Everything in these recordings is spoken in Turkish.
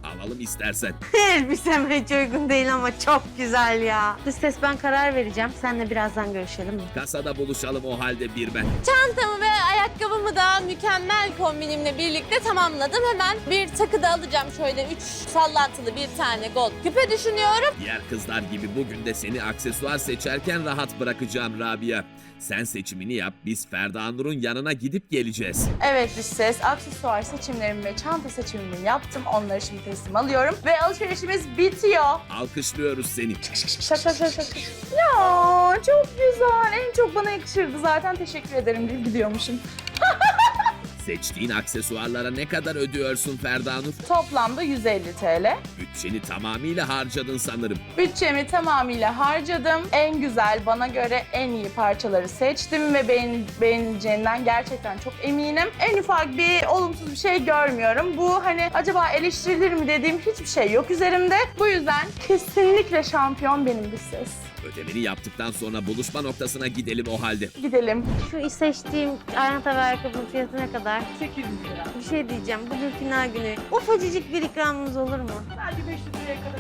Alalım istersen. Elbiseme hiç uygun değil ama çok güzel ya. Dış ses, ben karar vereceğim. Seninle birazdan görüşelim mi? Kasada buluşalım o halde bir ben. Çantamı ve ayakkabımı da mükemmel kombinimle birlikte tamamladım. Hemen bir takı da alacağım. Şöyle 3 sallantılı bir tane gold küpe düşünüyorum. Diğer kızlar gibi bugün de seni aksesuar seçerken rahat bırakacağım Rabia. Sen seçimini yap, biz Ferda Nur'un yanına gidip geleceğiz. Evet dış ses, aksesuar seçimlerimi ve çanta seçimimi yaptım. Onları şimdi teslim alıyorum ve alışverişimiz bitiyor. Alkışlıyoruz seni. Şak şak şak şak. Ya çok güzel. En çok bana yakışırdı zaten. Teşekkür ederim deyip gidiyormuşum. Seçtiğin aksesuarlara ne kadar ödüyorsun Ferda Nur? Toplamda 150 TL. Bütçeni tamamıyla harcadın sanırım. Bütçemi tamamıyla harcadım. En güzel, bana göre en iyi parçaları seçtim ve beğenileceğinden gerçekten çok eminim. En ufak bir olumsuz bir şey görmüyorum. Bu hani acaba eleştirilir mi dediğim hiçbir şey yok üzerimde. Bu yüzden kesinlikle şampiyon benim bir ses. Ödemeni yaptıktan sonra buluşma noktasına gidelim o halde. Gidelim. Şu seçtiğim çanta ve ayakkabının fiyatı ne kadar? 800 lira. Bir şey diyeceğim. Bugün final günü. Ufacıcık bir ikramımız olur mu? Sadece 500 liraya kadar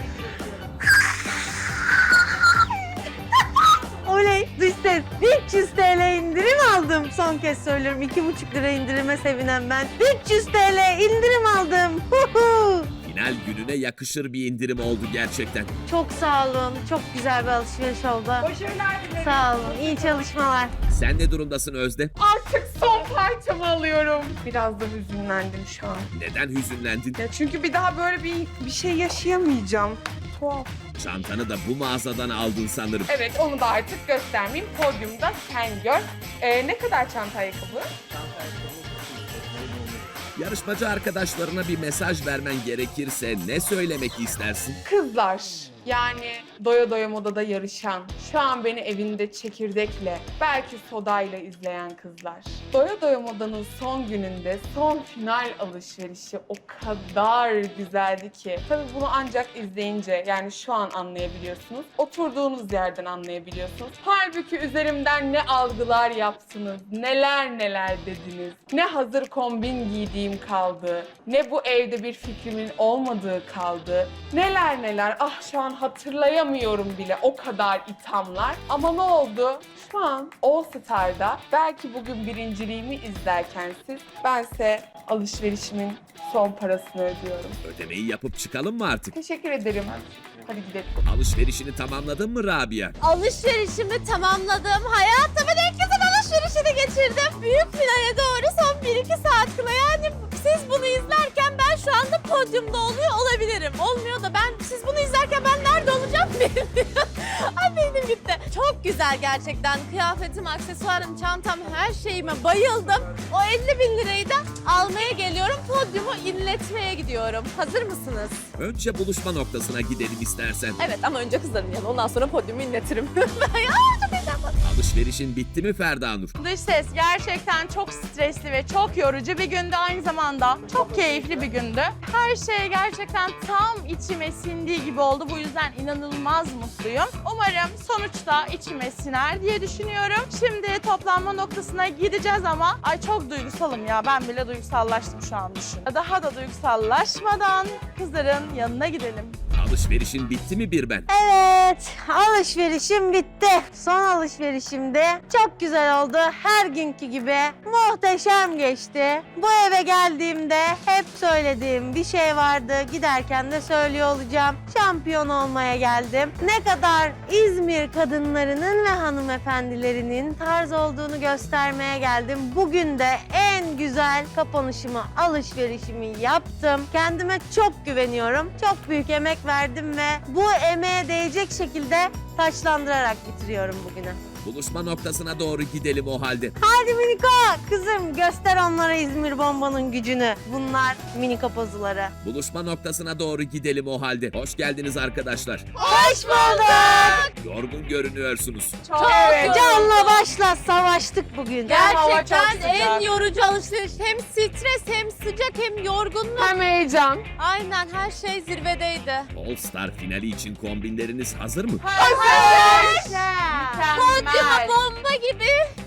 Oley! Dış ses, 300 TL indirim aldım. Son kez söylüyorum. 2,5 lira indirime sevinen ben. 300 TL indirim aldım. Huhu! Final gününe yakışır bir indirim oldu gerçekten. Çok sağ olun. Çok güzel bir alışveriş oldu. Başarılar dilerim. Sağ olun. İyi çalışmalar. Sen ne durumdasın Özde? Artık son parçamı alıyorum. Biraz da hüzünlendim şu an. Neden hüzünlendin? Ya çünkü bir daha böyle bir şey yaşayamayacağım. Tuhaf. Çantanı da bu mağazadan aldın sanırım. Evet, onu da artık göstermeyeyim. Podyumda sen gör. Ne kadar çanta ayakkabı? Yarışmacı arkadaşlarına bir mesaj vermen gerekirse ne söylemek istersin? Kızlar, yani doya doya modada yarışan, şu an beni evinde çekirdekle, belki sodayla izleyen kızlar. Doya doya modanın son gününde son final alışverişi o kadar güzeldi ki. Tabii bunu ancak izleyince, yani şu an anlayabiliyorsunuz. Oturduğunuz yerden anlayabiliyorsunuz. Halbuki üzerimden ne algılar yaptınız, neler neler dediniz. Ne hazır kombin giydiğim kaldı, ne bu evde bir fikrimin olmadığı kaldı. Neler neler, ah şu an hatırlayamıyorum bile, o kadar ithamlar. Ama ne oldu? Şu an All Star'da belki bugün birinciliğimi izlerken siz, bense alışverişimin son parasını ödüyorum. Ödemeyi yapıp çıkalım mı artık? Teşekkür ederim. Hadi gidelim. Alışverişini tamamladın mı Rabia? Alışverişimi tamamladım. Hayatımın en güzel alışverişini geçirdim. Büyük finale doğru son 1-2 saat kala. Yani siz bunu izlerken ben şu anda podyumda oluyor olabilirim. Olmuyor da siz bunu izlerken ben nerede olacağım bilmiyorum. Ay beynim gitti. Çok güzel gerçekten. Kıyafetim, aksesuarım, çantam, her şeyime bayıldım. O 50 bin lirayı da almaya geliyorum. Podyumu inletmeye gidiyorum. Hazır mısınız? Önce buluşma noktasına gidelim istersen. Evet ama önce kızların yanına. Ondan sonra podyumu inletirim. Ya çok heyecanlı. Alışverişin bitti mi Ferda Nur? Dış ses gerçekten çok stresli ve çok yorucu bir gündü, aynı zamanda çok keyifli bir gündü. Her şey gerçekten tam içime sindiği gibi oldu. Bu yüzden inanılmaz mutluyum. Umarım sonuçta içime siner diye düşünüyorum. Şimdi toplanma noktasına gideceğiz ama ay çok duygusalım ya. Ben bile duygusallaştım şu an düşün. Daha da duygusallaşmadan kızların yanına gidelim. Alışverişin bitti mi bir ben? Evet, alışverişim bitti. Son alışverişimde çok güzel oldu. Her günkü gibi muhteşem geçti. Bu eve geldiğimde hep söylediğim bir şey vardı. Giderken de söylüyor olacağım. Şampiyon olmaya geldim. Ne kadar İzmir kadınlarının ve hanımefendilerinin tarz olduğunu göstermeye geldim. Bugün de en güzel kapanışımı, alışverişimi yaptım. Kendime çok güveniyorum. Çok büyük emek verdim ve bu emeğe değecek şekilde taçlandırarak bitiriyorum bugünü. Buluşma noktasına doğru gidelim o halde. Hadi Miniko, kızım göster onlara İzmir bombanın gücünü. Bunlar Miniko pozuları. Buluşma noktasına doğru gidelim o halde. Hoş geldiniz arkadaşlar. Hoş bulduk. Yorgun görünüyorsunuz. Çok Evet. Canla başla savaştık bugün. Hava çok Gerçekten sıcak. en yorucu alışveriş. Hem stres, hem sıcak, hem yorgunluk. Hem heyecan. Aynen her şey zirvedeydi. All Star finali için kombinleriniz hazır mı? Podyuma bomba gibi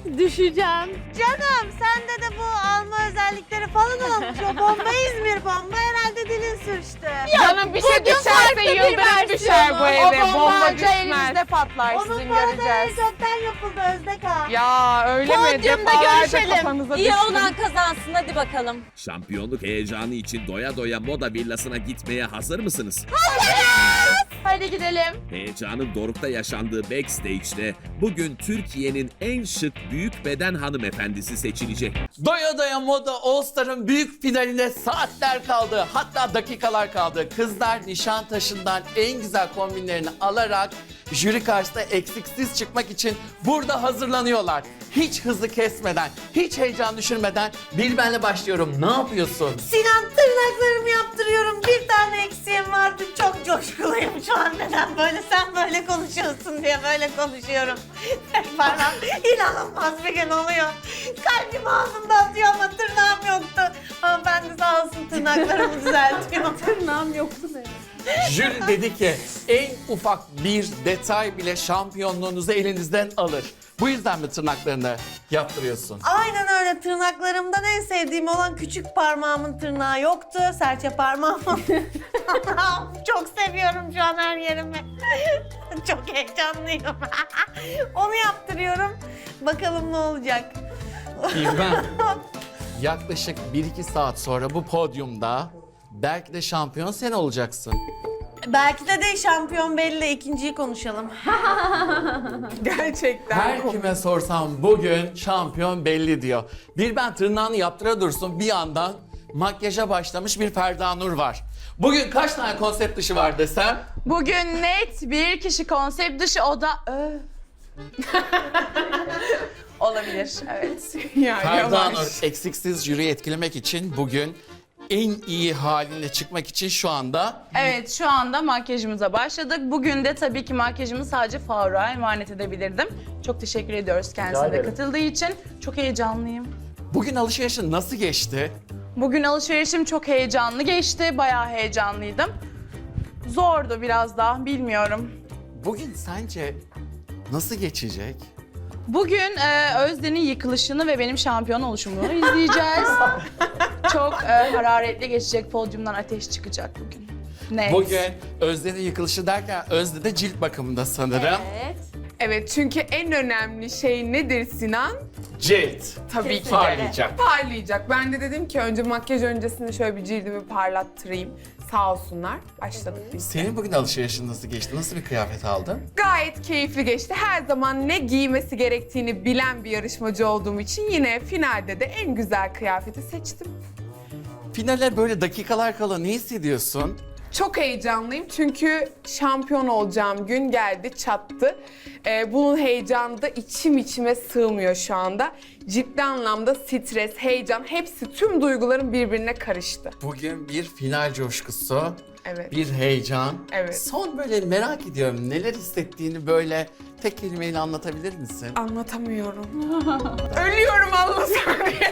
Düşeceğim. Canım sende de bu alma özellikleri falan olmuş. O bomba İzmir bomba herhalde dilin sürçtü. Canım bir şey bugün farklı düşerse bir yıldırım düşer bu versiyonu. eve. O bomba Bomba anca düşmez. elimizde patlar, Onun sizin bu arada göreceğiz. çoktan yapıldı Özde Kağan. Ya öyle mi? Podyumda Defalarca görüşelim. kafanıza İyi düştü. olan kazansın, hadi bakalım. Şampiyonluk heyecanı için doya doya moda villasına gitmeye hazır mısınız? Hadi gidelim. Heyecanın dorukta yaşandığı backstage'de bugün Türkiye'nin en şık büyük beden hanımefendisi seçilecek. Doya Doya Moda All Star'ın büyük finaline saatler kaldı. Hatta dakikalar kaldı. Kızlar Nişantaşı'ndan en güzel kombinlerini alarak jüri karşısında eksiksiz çıkmak için burada hazırlanıyorlar. Hiç hızı kesmeden, hiç heyecan düşürmeden Bilben'le başlıyorum. Ne yapıyorsun? Sinan tırnaklarımı yaptırıyorum. Bir tane eksiğim vardı. Çok coşkuluyum şu an. Neden böyle sen böyle konuşuyorsun diye böyle konuşuyorum. Bana inanılmaz bir gün oluyor. Kalbim ağzımda atıyor ama tırnağım yoktu. Ama ben de sağ olsun tırnaklarımı düzeltiyorum. Tırnağım yoktu benim. Jüri dedi ki en ufak bir detay bile şampiyonluğunuzu elinizden alır. Bu yüzden mi tırnaklarını yaptırıyorsun? Aynen öyle. Tırnaklarımdan en sevdiğim olan küçük parmağımın tırnağı yoktu. Serçe parmağımın. Çok seviyorum şu an her yerimi. Çok heyecanlıyım. Onu yaptırıyorum. Bakalım ne olacak. Bilben, yaklaşık 1-2 saat sonra bu podyumda belki de şampiyon sen olacaksın. Belki de şampiyon belli. İkinciyi konuşalım. Gerçekten. Her kime sorsam bugün şampiyon belli diyor. Bilben tırnağını yaptıra dursun bir yandan makyaja başlamış bir Ferda Nur var. Bugün kaç tane konsept dışı var desem? Bugün net bir kişi konsept dışı, o da olabilir, evet. Ya, Ferda yavaş. Nur eksiksiz jüriyi etkilemek için bugün en iyi haline çıkmak için şu anda Evet, şu anda makyajımıza başladık. Bugün de tabii ki makyajımı sadece Faruk'a emanet edebilirdim. Çok teşekkür ediyoruz kendisine de katıldığı için. Çok heyecanlıyım. bugün alışverişin nasıl geçti? Bugün alışverişim çok heyecanlı geçti. Bayağı heyecanlıydım. Zordu biraz daha, bilmiyorum. Bugün sence nasıl geçecek? Bugün Özde'nin yıkılışını ve benim şampiyon oluşumu izleyeceğiz. Çok hararetli geçecek, podyumdan ateş çıkacak bugün. Net. Bugün Özde'nin yıkılışı derken Özde de cilt bakımında sanırım. Evet. Evet, çünkü en önemli şey nedir Sinan? Cilt. Tabii ki de. Parlayacak. Parlayacak. Ben de dedim ki önce makyaj öncesinde şöyle bir cildimi parlattırayım. Sağ olsunlar. Başladık biz. Senin bugün alışverişin nasıl geçti? Nasıl bir kıyafet aldın? Gayet keyifli geçti. Her zaman ne giymesi gerektiğini bilen bir yarışmacı olduğum için yine finalde de en güzel kıyafeti seçtim. Finale böyle dakikalar kala ne hissediyorsun? Çok heyecanlıyım çünkü şampiyon olacağım gün geldi, çattı. Bunun heyecanı da içim içime sığmıyor şu anda. Ciddi anlamda stres, heyecan, hepsi tüm duygularım birbirine karıştı. Bugün bir final coşkusu, Evet. bir heyecan. Evet. Son böyle merak ediyorum neler hissettiğini böyle tek kelimeyle anlatabilir misin? Anlatamıyorum. Ölüyorum anlasam diye.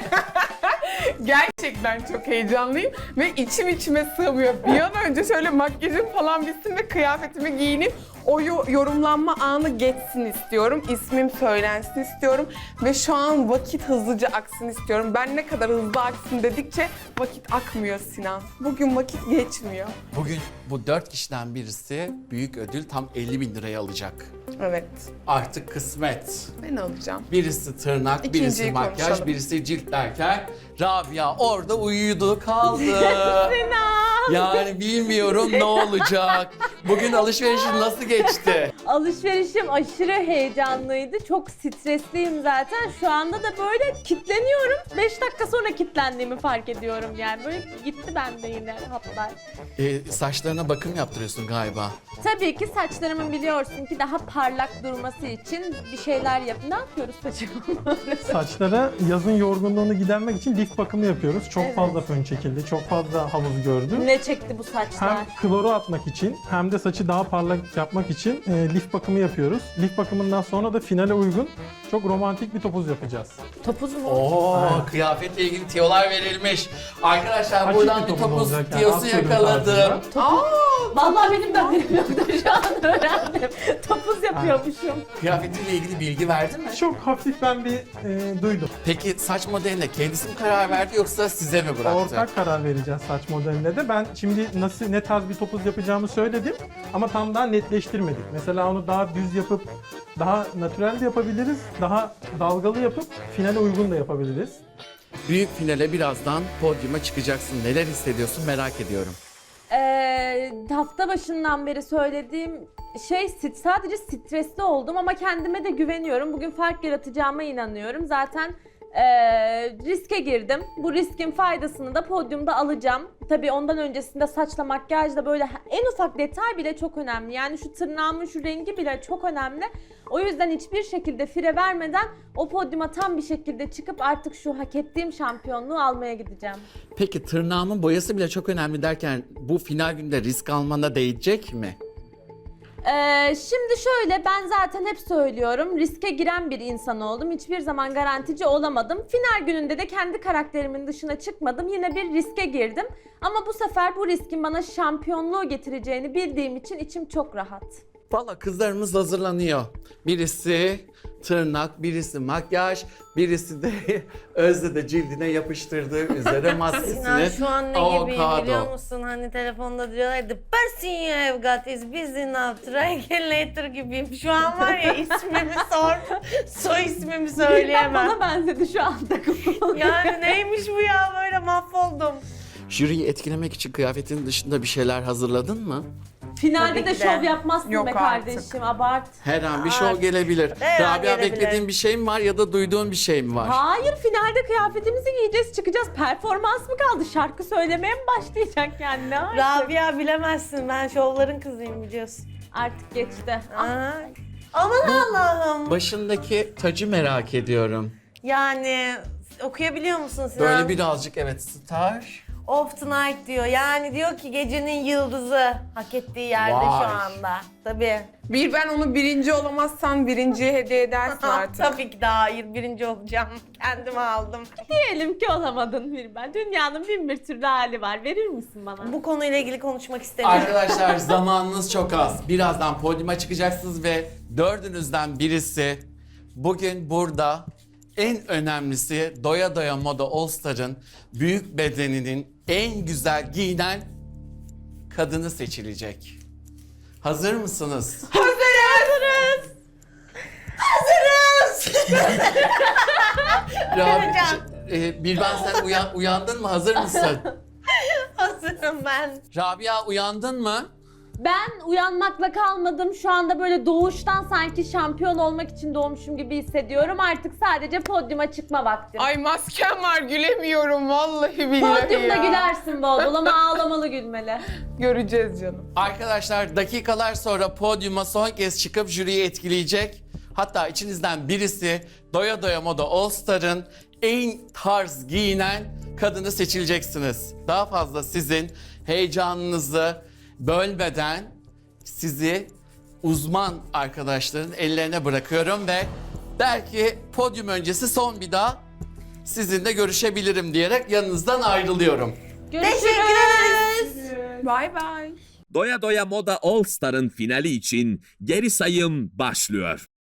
Gerçekten çok heyecanlıyım ve içim içime sığmıyor. Bir an önce şöyle makyajım falan bitsin ve kıyafetimi giyinip o yorumlanma anı geçsin istiyorum. İsmim söylensin istiyorum ve şu an vakit hızlıca aksın istiyorum. Ben ne kadar hızlı aksın dedikçe vakit akmıyor Sinan. Bugün vakit geçmiyor. Bugün bu 4 kişiden birisi büyük ödül tam 50.000 liraya alacak. Evet, Artık kısmet. ben alacağım. Birisi tırnak, birisi İkinciyi makyaj, konuşalım. birisi cilt derken Rabia orada uyudu kaldı. Yani bilmiyorum ne olacak. Bugün alışverişin nasıl geçti? Alışverişim aşırı heyecanlıydı. Çok stresliyim zaten. Şu anda da böyle kitleniyorum. 5 dakika sonra kitlendiğimi fark ediyorum yani. Böyle gitti bende yine hatlar. Saçlarına bakım yaptırıyorsun galiba. Tabii ki saçlarımın biliyorsun ki daha parlak durması için bir şeyler yap. Ne yapıyoruz saçıma? Saçlara yazın yorgunluğunu gidermek için lif bakımı yapıyoruz. Çok Evet. fazla fön çekildi, çok fazla havuz gördü. Ne çekti bu saçlar? Hem kloru atmak için hem de saçı daha parlak yapmak için lif bakımı yapıyoruz. Lif bakımından sonra da finale uygun çok romantik bir topuz yapacağız. Topuz mu? Oo, Aynen. kıyafetle ilgili tiyolar verilmiş. Arkadaşlar Açık buradan bir bir topuz topuz olacak yani, tiyosu atıyorum yakaladım. tarzında. Vallahi benim de haberim yoktu, şu an öğrendim. Topuz yapıyormuşum. Kıyafetiyle ilgili bilgi verdi mi? Çok hafif ben bir duydum. Peki saç modeline kendisi mi karar verdi yoksa size mi bıraktı? Ortak karar vereceğiz saç modeline de. Ben şimdi ne tarz bir topuz yapacağımı söyledim ama tam daha netleştirmedik. Mesela onu daha düz yapıp daha natürel de yapabiliriz. Daha dalgalı yapıp finale uygun da yapabiliriz. Büyük finale birazdan podyuma çıkacaksın. Neler hissediyorsun merak ediyorum. Hafta başından beri söylediğim şey sadece stresli oldum ama kendime de güveniyorum. Bugün fark yaratacağıma inanıyorum. Zaten riske girdim. Bu riskin faydasını da podyumda alacağım. Tabii ondan öncesinde saçla makyajla böyle en ufak detay bile çok önemli. Yani şu tırnağımın şu rengi bile çok önemli. O yüzden hiçbir şekilde fire vermeden o podyuma tam bir şekilde çıkıp artık şu hak ettiğim şampiyonluğu almaya gideceğim. Peki tırnağımın boyası bile çok önemli derken bu final günde risk almana değecek mi? Şimdi şöyle, ben zaten hep söylüyorum, riske giren bir insan oldum. Hiçbir zaman garantici olamadım. Final gününde de kendi karakterimin dışına çıkmadım. Yine bir riske girdim. Ama bu sefer bu riskin bana şampiyonluğu getireceğini bildiğim için içim çok rahat. Valla kızlarımız hazırlanıyor. Birisi tırnak, birisi makyaj, birisi de Özde de cildine yapıştırdığı üzere maskesini. Sinan şu an ne gibiyim avokado. biliyor musun? Hani telefonda diyorlar, the person you have got is busy now, try again later gibiyim. Şu an var ya, ismimi sor, soy ismimi söyleyemem. Bana benzedi şu anda. Yani neymiş bu ya, böyle mahvoldum. Jüriyi etkilemek için kıyafetin dışında bir şeyler hazırladın mı? Finalde Tabii de ki de. şov yapmazsın Yok be artık. kardeşim, abart. Her an bir şov gelebilir. Her an Rabia gelebilir. beklediğin bir şey mi var ya da duyduğun bir şey mi var? Hayır, finalde kıyafetimizi giyeceğiz, çıkacağız. Performans mı kaldı? Şarkı söylemeye mi başlayacak yani? Ne artık? Rabia bilemezsin, ben şovların kızıyım biliyorsun. Artık geçti. Aa, aman Allah'ım. Başındaki tacı merak ediyorum. Yani okuyabiliyor musun Sinan? Böyle birazcık evet star. Of tonight diyor. Yani diyor ki gecenin yıldızı hak ettiği yerde Vay. şu anda. Tabii. Ben onu birinci olamazsan birinciye hediye edersin artık. Tabii ki daha hayır, birinci olacağım. Kendime aldım. Diyelim ki olamadın bir ben. Dünyanın bin bir türlü hali var. Verir misin bana? Bu konuyla ilgili konuşmak istemiyorum. Arkadaşlar zamanınız çok az. Birazdan podyuma çıkacaksınız ve dördünüzden birisi bugün burada en önemlisi Doya Doya Moda All Star'ın büyük bedeninin en güzel giyinen kadını seçilecek. Hazır mısınız? Hazırız. Birben sen uyandın mı? Hazır mısın? Hazırım ben. Rabia uyandın mı? Ben uyanmakla kalmadım. Şu anda böyle doğuştan sanki şampiyon olmak için doğmuşum gibi hissediyorum. Artık sadece podyuma çıkma vakti. Ay maskem var, gülemiyorum vallahi billahi Podyumda ya. gülersin bol bol ama ağlamalı gülmeli. Göreceğiz canım. Arkadaşlar dakikalar sonra podyuma son kez çıkıp jüriyi etkileyecek. Hatta içinizden birisi Doya Doya Moda All Star'ın en tarz giyinen kadını seçileceksiniz. Daha fazla sizin heyecanınızı bölmeden sizi uzman arkadaşların ellerine bırakıyorum ve belki podyum öncesi son bir daha sizinle görüşebilirim diyerek yanınızdan ayrılıyorum. Görüşürüz. Teşekkür ederiz. Bye bye. Doya Doya Moda All Star'ın finali için geri sayım başlıyor.